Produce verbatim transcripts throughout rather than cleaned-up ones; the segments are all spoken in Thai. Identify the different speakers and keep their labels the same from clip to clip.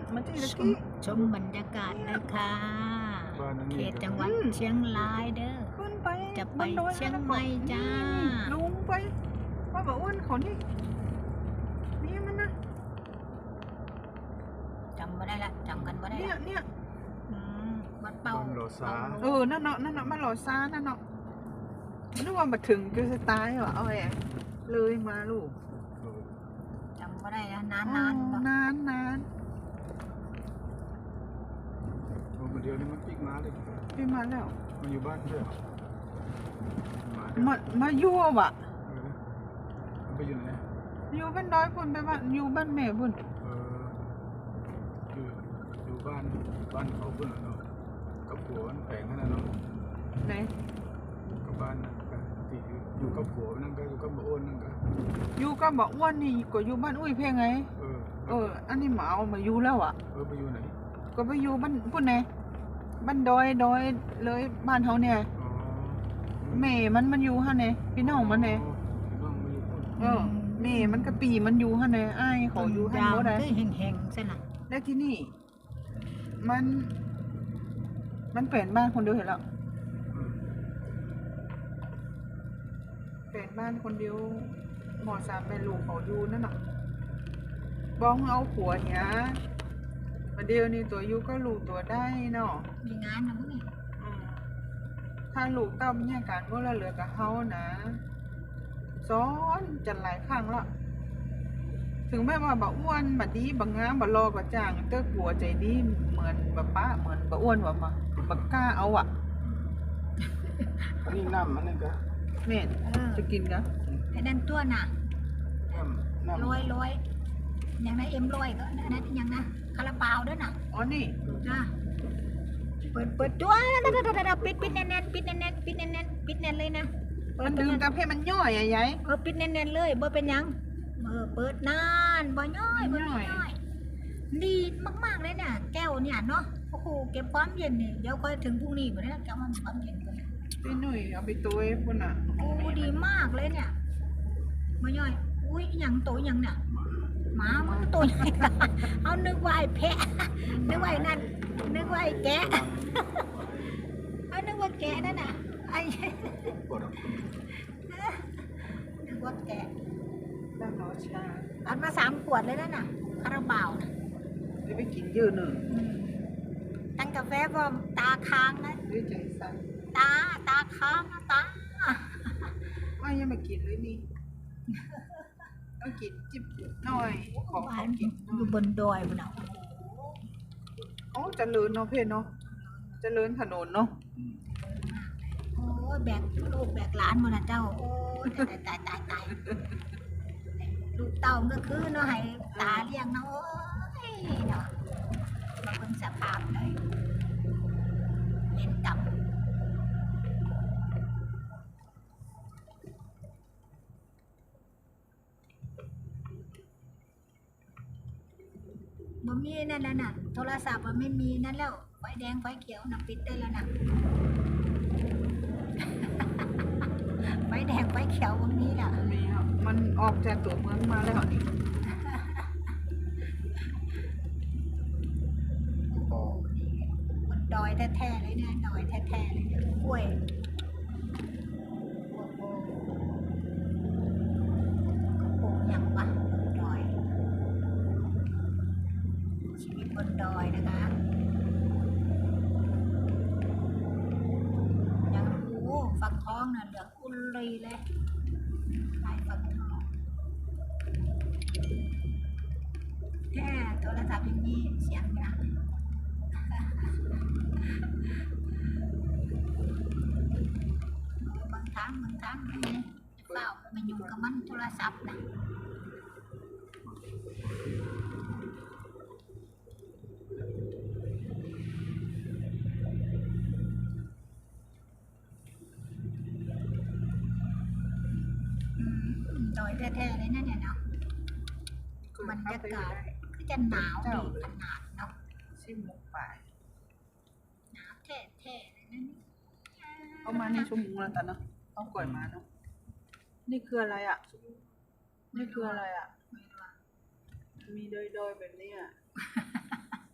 Speaker 1: มันที่ตะ
Speaker 2: ชม
Speaker 1: กี้
Speaker 2: ชมบรรยากาศนะคะเขตจังหวัด
Speaker 1: อืม
Speaker 2: เชียงรายเด้อ
Speaker 1: ขึ้นไป
Speaker 2: จะไป
Speaker 1: บนดอย
Speaker 2: เชียงใหม่จ้า
Speaker 1: ลงไปว่าบอกอ้วนเขานี่นี่มันนะ
Speaker 2: จำไม่ได้ละจำกันไม่ได้
Speaker 1: เนี่ย
Speaker 2: ละ
Speaker 1: เนี่ย
Speaker 2: อืมวัดเป่า
Speaker 3: บ้านโลซา
Speaker 1: เออนั่นเนาะนั่นเนาะมันหล่อซ่านั่นเนาะนึกว่ามาถึงคือสไตล์ว่ะเอาแหละเลยมาลูก
Speaker 2: จำไม่ได้ละนาน
Speaker 1: อ๋อน
Speaker 2: ๆเนาะ
Speaker 1: นานนาน
Speaker 3: โอ้เดี๋ยวนี้มันปิกมาเลย
Speaker 1: พี่มาแล้ว
Speaker 3: มันอยู่บ้านด้วยเหรอมา
Speaker 1: มามายั่วว่ะ
Speaker 3: เออมันไปอยู่ไหน
Speaker 1: อยู่บ้านดอยพุ่นไปบ้านอยู่บ้านแม่พุ่น
Speaker 3: เอออยู่อยู่บ้านบ้านเขาเพื่อนเนาะกับผัวมันแปลงนั่นน่ะเนาะ
Speaker 1: ไหน
Speaker 3: กับบ้านนั่นก็ที่อยู่กับผัวนั่นก็อยู่กับบ่อ้วนนั่นก็
Speaker 1: อยู่กับบอกอ้วนนี่ก็อยู่บ้านอุ้ยเพ่งไง
Speaker 3: เออ
Speaker 1: เออ อันนี้หมาเอามาอยู่แล้วอ่ะ
Speaker 3: เออไปอยู่ไหน
Speaker 1: ก็ไปอยู่บ้านพุ่นไหนบ้านดอยดอยเลยบ้านเขาเนี่ย
Speaker 3: อ๋อ
Speaker 1: แม่มันมันอยู่ฮะเนี่ยพี่น้องมันเนี่ย
Speaker 3: พี่น้องมาอยู่พุ่น
Speaker 1: เออแม่มันก็ปีมันอยู่ฮะเนี่ยอ้ายเขาอยู่ฮะ
Speaker 2: ยาว
Speaker 1: บ่ได้
Speaker 2: คือแห้งๆใช่ไหม
Speaker 1: แล้วที่นี่ มัน มันเปลี่ยนบ้านคนเดียวเห็นแล้ว
Speaker 3: อืม
Speaker 1: เปลี่ยนบ้านคนเดียวหมอสามแม่ลูกเขาอยู่นั่นน่ะบ้องเอาผัวเหียมาเดียวนี่ตัวอยู่ก็ลูกตัวได้เนาะ
Speaker 2: มีงานนะพวกนี้
Speaker 1: อืมถ้าลูกเต้าเนี่ยการก็ละเหลือกับเฮานะซ้อนจันหลายครั้งละถึงแม้ว่าบะอ้วนบะดีบะงามบะรอกะจ่างเต้าผัวใจดีเหมือนบะป้าเหมือนบะอ้วนว่ามาบะกล้าเอาอ่ะ
Speaker 3: อันนี้น้ำมันนี่ก็
Speaker 1: แม่น
Speaker 2: เออ
Speaker 1: จะกินกะ
Speaker 2: ไอ้นั่นตัวน่ะ
Speaker 3: น้ำน้ำ
Speaker 2: ลอยลอยอย่างนั้นเอ็มลอยก็อันนั้นอย่างนะคาราบาวด้วยน่ะ
Speaker 1: อ๋อนี่
Speaker 2: จ้าเปิดเปิดจ้วปิดปิดแน่นๆปิดแน่นๆปิดแน่นๆปิดแน่นเลยนะ
Speaker 1: มันดึงกับให้มันย่อยอะยาย
Speaker 2: เออปิดแน่นๆเลยบ่เป็นหยังเออเปิดนานบ่ย่อยบ่
Speaker 1: ย่อย
Speaker 2: ย่อยดีมากๆเลยเนี่ยแก้วเนี่ยเนาะโอ้โหเก็บความเย็นนี่เดี๋ยวค่อยถึงพรุ่งนี้บ่ได้แก้วมันความเย็นก่อน
Speaker 1: พี่หนุ่ยเอาไปตัวไอ้พุ่นอ่ะ
Speaker 2: โอ้ดีมากเลยเนี่ยบ่ย่อยอุ้ยหยังตัวหยังเนี่ยหมามันตัวใหญ่ เอานึกว่าไอ้แพะนึกว่าไอ้นั่นนึกว่าไอ้แกะ เอานึกว่าแกะนั่นน่ะไอ้
Speaker 3: ปวดอ่ะ
Speaker 2: นึกว่าแกะ
Speaker 1: บ้านเราชา
Speaker 2: เอามาสามขวดเลยนั่นน่ะคาราบาวน่ะ
Speaker 1: เดี๋ยวไปกินเยอะหนึ่ง
Speaker 2: อืมตั้งกาแฟพร้อมตาค้างนะ
Speaker 1: ด้วยใจสั่น
Speaker 2: ตาตาค้างนะตา
Speaker 1: ว่ายังมากินเลยนี่ต้องกินจิบหน่อยขอข
Speaker 2: บ้า
Speaker 1: อน กินหน่
Speaker 2: อ
Speaker 1: อยู่ ย
Speaker 2: บนดอยบนเอา
Speaker 1: โอ้เจริญเนาะเพื่อนเนาะเจริญถนนเนาะ
Speaker 2: โอ้ยแบกลูกแบกหลานมานะเจ้าโอ้ยตายตายตายตายลูกเต่าก็คือเนาะให้ตาเลี้ยงเนาะโอ้ยเนาะมาเป็นสภาพเลยเล่นกับบ่มีนั่นแล้วน่ะโทรศัพท์มันไม่มีนั่นแล้วไฟแดงไฟเขียวน่ะปิดได้แล้วน่ะ ไฟแดงไฟเขียวบ่มีล่ะ
Speaker 1: มีครับมันออกจากตัวเมืองมาแล้วนี่
Speaker 2: โอ้โหนี่มันดอยแท้ๆเลยเนี่ยดอยแท้ๆเลยเนี่ยกล้วยโอ้โหปลูกอย่างวะบนดอย ชีวิตบนดอยนะคะยังโอ้ฟักทองน่ะเหลืองอุลีเลยลายฟักทองแค่โทรศัพท์อย่างนี้เสียงดัง บางครั้งบางครั้งนะเปล่ามาอยู่กับมันโทรศัพท์นะอืมดอยแท้ๆเลยนะเนี่ยเนาะบรรยากาศก็จะหนาวดีขนาดเนาะ
Speaker 1: ชิมหมกป่าย
Speaker 2: หนาวแท้ๆเลยนะนี่
Speaker 1: เอามาในชั่วโมงแล้วกันเนาะเอาก่อยมาเนาะนี่คืออะไรอ่ะ นี่คืออะไรอ่ะ
Speaker 2: ไม่รู้อะ
Speaker 1: มีดอยๆแบบนี้อ่ะ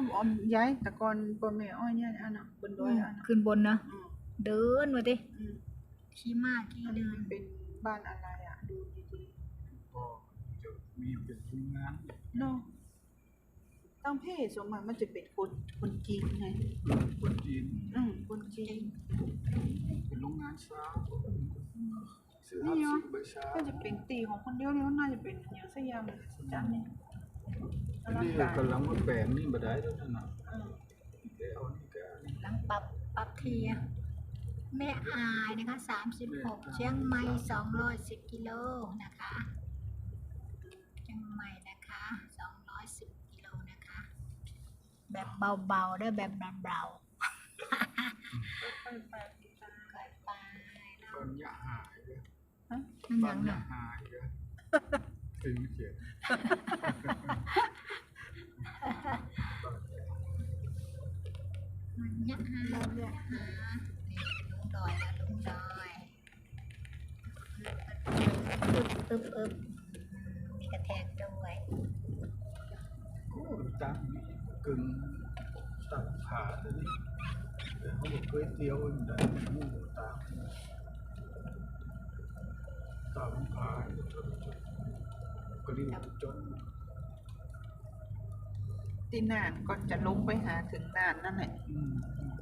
Speaker 1: ออมย้ายแต่ก่อนบ่แม่อ้อยเนี่ยอันน่ะบนดอยอันน่ะ
Speaker 2: ขึ้นบนนะ
Speaker 1: อืม
Speaker 2: เดินมาดิ
Speaker 1: อืม
Speaker 2: ขี่ม้าขี่เดิน
Speaker 1: เป็นบ้านอะไรอ่ะดูดี
Speaker 3: ก็จะมีเป็นโรงงาน
Speaker 1: ๆเนาะตั้งเพศส่วนมากมันจะเป็นคนคนจีนไง
Speaker 3: คนจีน
Speaker 1: อืมคนจีน
Speaker 3: เป็นโรงงานช้าซื้อฮับซื้อใบชา
Speaker 1: ก็จะเป็นตีของคนเดียวเนี่ยน่าจะเป็นอย่างสักอย่างเลยสักจานเนี่ยอลัง
Speaker 3: นี่
Speaker 1: การ
Speaker 3: กำลังมาแปลงนี่มาได้แล้วนั่นน่ะ
Speaker 1: อืม
Speaker 3: แกเอานี่แกเอานี่
Speaker 2: หลังปรับปรับทีอะแม่อายนะคะสามสิบหกเชียงใหม่สองร้อยสิบกิโลนะคะเชียงใหม่นะคะสองร้อยสิบกิโลนะคะ แบบเบาๆได้แบบเบา
Speaker 1: ไปไป
Speaker 2: ๆค่อยไปเนาะ
Speaker 3: บ้านยะหายเลย
Speaker 1: ฮะ
Speaker 2: มันห
Speaker 3: บ้า
Speaker 2: ยั
Speaker 3: น
Speaker 2: ง
Speaker 3: ยะ
Speaker 2: น่ะ
Speaker 3: หายเลยถึงเขียน
Speaker 2: มันยะหามันยะหานี่ลุงดอยนะลุงดอยอึบอึบอึบมีกระแทกด้วย
Speaker 3: โอ้ตั้งนี่กึ่งตัดขาตัวนี้แต่เขาบอกก๋วยเตี๋ยวมันได้หมูตามตามขายจนจนก็เรียกจน
Speaker 1: ตีน่านก่อนจะลงไปหาถึงน่านนั่นแหละ
Speaker 3: อืม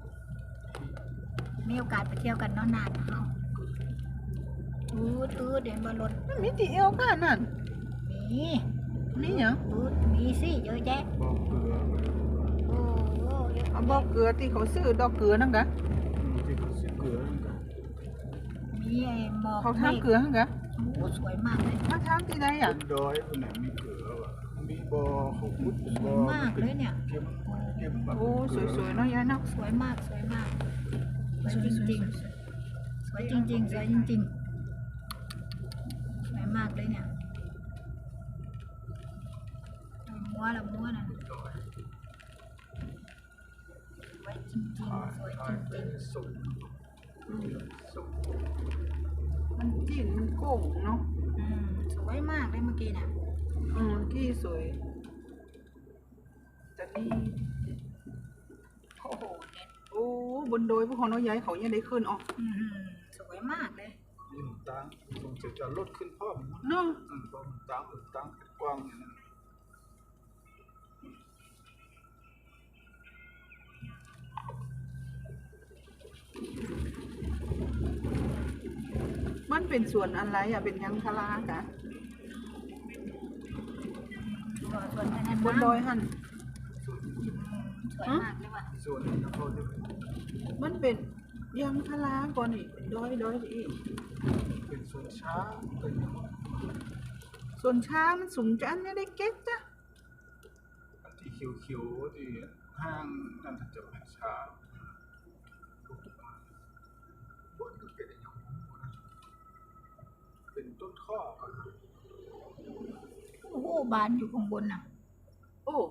Speaker 2: มีโอกาสไปเที่ยวกันเนาะนานเฮาอืดอืดเดี๋ยวมารถ
Speaker 1: มันมีตีเอวค่ะนั่น
Speaker 2: มี
Speaker 1: มีเหรอ
Speaker 2: อืดมีสิเยอะแยะ
Speaker 3: บอกเกลือไป
Speaker 2: โอ้โหเยอะ
Speaker 1: เอาบอกเกลือที่เขาซื้อดอกเกลือนั่นกะ
Speaker 3: ที่เขาซื้อเกลือนั่นก็
Speaker 2: มีไอ้หมอก
Speaker 1: เขาทำเกลือนั่นกะ
Speaker 2: โอ้โหสวยมากเลย
Speaker 1: มาทำที่ใดอ่ะ
Speaker 3: เป็นดอยคนไหนมีเกลือวะมีบ่อเขาพุด
Speaker 2: ส
Speaker 3: บ่
Speaker 2: ว
Speaker 3: อย
Speaker 2: มากเลยเนี่ย
Speaker 3: เก็บเก็บแบบ
Speaker 1: โอ้สวยๆเนาะยายเนาะ
Speaker 2: สวยมากสวยมากสวยจริงๆสวยจริงๆสวยจริงๆสวยมากเลยเนี่ยมัวละมัวน่ะสวยจริงๆสวย
Speaker 3: ถ่าย
Speaker 2: จ
Speaker 3: ไป
Speaker 2: ริง
Speaker 3: ส่งส่ง
Speaker 1: มันจีนมันโก่งเนาะ
Speaker 2: ๆอืมสวยมากเลยเมื่อกี้น่ะ
Speaker 1: อืมที่สวยแต่นี่
Speaker 2: โอ้โหเด็ด
Speaker 1: โอ้บนดอยพวกเขาเนาะยายเขายังได้ขึ้นออก
Speaker 2: อื้อหือสวยมากเลย
Speaker 3: ยิ่งตังคงจะจะลดขึ้นเพิ่ม
Speaker 1: เนาะ
Speaker 3: อืมเพราะมันตังมันตังเป็นกว้างอย่างนั้น
Speaker 1: มันเป็นส่วนอะไรอ่ะเป็นยังทลากะ
Speaker 2: สวยสวยขนาด
Speaker 1: บนดอยหัน
Speaker 2: สวยมากเลยว่ะ
Speaker 3: ส่วนนี้เขาจะเป็น
Speaker 1: มันเป็นยังทลาก่อนนี่เป็นดอยดอยอีก
Speaker 3: เป็นส่วนช้าเป็น
Speaker 1: ส่วนช้ามันสูงจันไม่ได้เก็บจ้ะ
Speaker 3: อันที่เขียวๆที่ห้างนั่นจะเป็นช้าบนก็เป็นอย่างนี้เป็นต้นข้อกัน
Speaker 2: โอ้โหบานอยู่ข้างบนน่ะ
Speaker 1: โอ้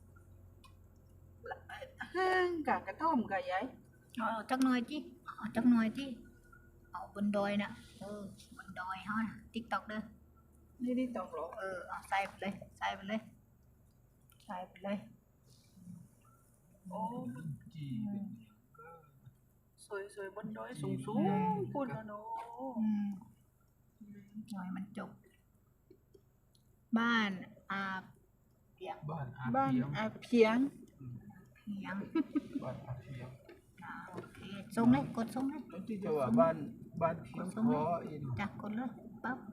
Speaker 1: ห้างกะกระท่อมกะยาย
Speaker 2: เอาจักหน่อยจิเอาจักหน่อยจิเอาบนดอยน่ะเออบนดอยเฮาน่ะติ๊กต็อกเด้อ
Speaker 1: นี่ได้ตองหรอ
Speaker 2: เออเอาใส่ไปเลยใส่ไปเลยใส่ไปเลย
Speaker 1: โอ้
Speaker 3: จี
Speaker 1: สวยสวยบนดอยสูงสูงพูดแล้วเนาะ
Speaker 2: อืมหน่อยมันจบ บ้านอาเปียง
Speaker 3: บ้านอา
Speaker 1: บ้าน
Speaker 3: เพียง
Speaker 1: อาเพียง
Speaker 2: เพียง
Speaker 3: บ้านอาเพียง
Speaker 2: อ่าโอเคส่งเลยกดส่งเลย
Speaker 3: แล้วที่จะว่าบ้านบ้านเพียงพออีก
Speaker 2: จ้ะกดเลยปั๊บ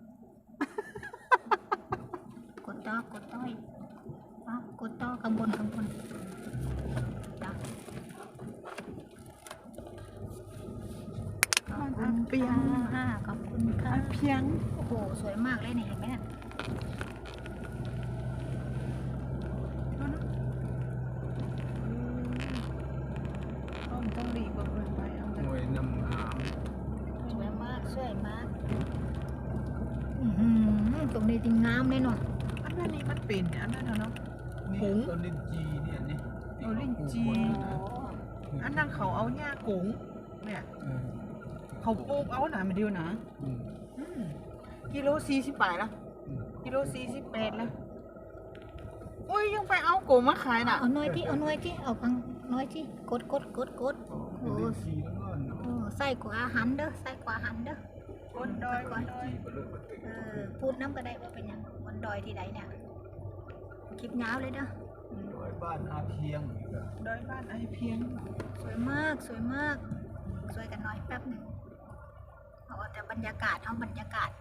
Speaker 2: กดต่อกดต่ออีกปั๊บกดต่อข้างบนข้างบนจ้ะขอบคุณค่ะขอบคุณค่ะ
Speaker 1: อาเพียง
Speaker 2: โอ้โหสวยมากเลยเนี่ยเห็นไหมเนี่ย
Speaker 1: ดูนะต้องต้องรีบเบิ่งไปเอา
Speaker 3: หน่วยนำหาม
Speaker 2: สวยมากสวยมากอือหือตรงนี้จริงงามเลยเนาะ
Speaker 1: อันนั้นนี่มันเป็นอันนั้นเนาะ
Speaker 3: นี่
Speaker 1: หงส์
Speaker 3: ต้นลิ้นจีเนี่ยนี่
Speaker 1: เออลิ้นจี อันนั้นเขาเอาหญ้ากุ๋งเนี่ย
Speaker 3: เออ
Speaker 1: เขาปลูกเอาหนามาเดียวนะ
Speaker 3: อืม
Speaker 1: อืมกิโลสี่สิบแปดละ
Speaker 3: อืม
Speaker 1: กิโลสี่สิบแปดละอุ้ยยังไปเอาโกมาขายน่ะ
Speaker 2: เอาหน่อยที่เอาหน่อยที่เอาฟังหน่อยที่กดกดกดกด
Speaker 3: โอ้สีแล้วก็เนาะ
Speaker 2: โอ้ใส่กว่าอาหารเด้อใส่กว่าอาหารเด้อ
Speaker 1: คนดอยคนดอย
Speaker 3: สีก็เลิกมาติด
Speaker 2: เออพูดน้ำก็ได้ว่าเป็นหยังบนดอยที่ใดเนี่ยคลิปยาวเลยเด้อ
Speaker 3: โดยบ้านอาเพียงอีกอะ
Speaker 1: ดอยบ้านไอเพียง
Speaker 2: สวยมากสวยมากสวยกันหน่อยแป๊บหนึ่งเอาแต่บรรยากาศเอาบรรยากาศ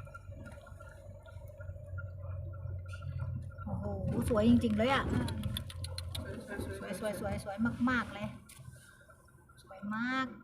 Speaker 2: โอ้โหสวยจริงๆเลยอ่ะ
Speaker 1: สวย
Speaker 2: สวยสวยสวยสวยมากๆเลย สวยมาก